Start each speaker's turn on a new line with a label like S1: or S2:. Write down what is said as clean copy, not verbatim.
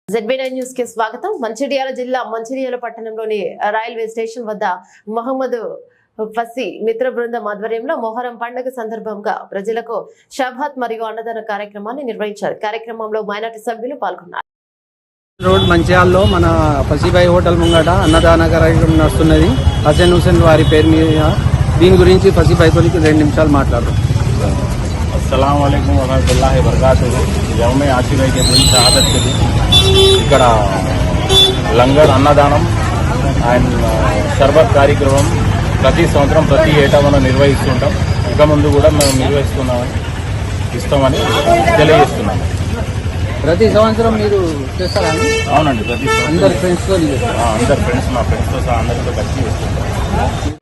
S1: ZB9 news కి స్వాగతం. మంచిర్యాల జిల్లా మంచిర్యాల పట్టణంలోని రైల్వే స్టేషన్ వద్ద మహమ్మద్ ఫసి మిత్ర బృందం ఆధ్వర్యంలో మొహరం పండుగ సందర్భంగా ప్రజలకు షబాత్ మరియు అన్నదాన కార్యక్రమాన్ని నిర్వహించారు. కార్యక్రమంలో మైనార్టీ సభ్యులు పాల్గొన్నారు.
S2: రోడ్ మంచిర్యాలలో మన ఫసీబాయి హోటల్ ముంగట అన్నదాన కార్యక్రమం నడుస్తున్నది. హసన్ హుసేన్ వారి పేరు మీద. దీని గురించి ఫసీబాయి తోలికి 2 నిమిషాలు మాట్లాడరు.
S3: अस्सलाम वालेकुम वरहमतुल्लाहि वबरकातुहू। यौम आशिरा के दिन शहादत के दिन ఇక్కడ లంగర్ అన్నదానం అండ్ షర్బత్ కార్యక్రమం ప్రతి సంవత్సరం ప్రతి ఏటా మనం నిర్వహిస్తుంటాం. ఇక ముందు కూడా మేము ఇస్తామని తెలియజేస్తున్నాం.
S2: ప్రతి సంవత్సరం మీరు చేస్తారా?
S3: అవునండి, ప్రతి
S2: అందరు ఫ్రెండ్స్తో
S3: అందరు ఫ్రెండ్స్ మా ఫ్రెండ్స్తో సహా అందరితో కలిసి చేస్తుంటాం.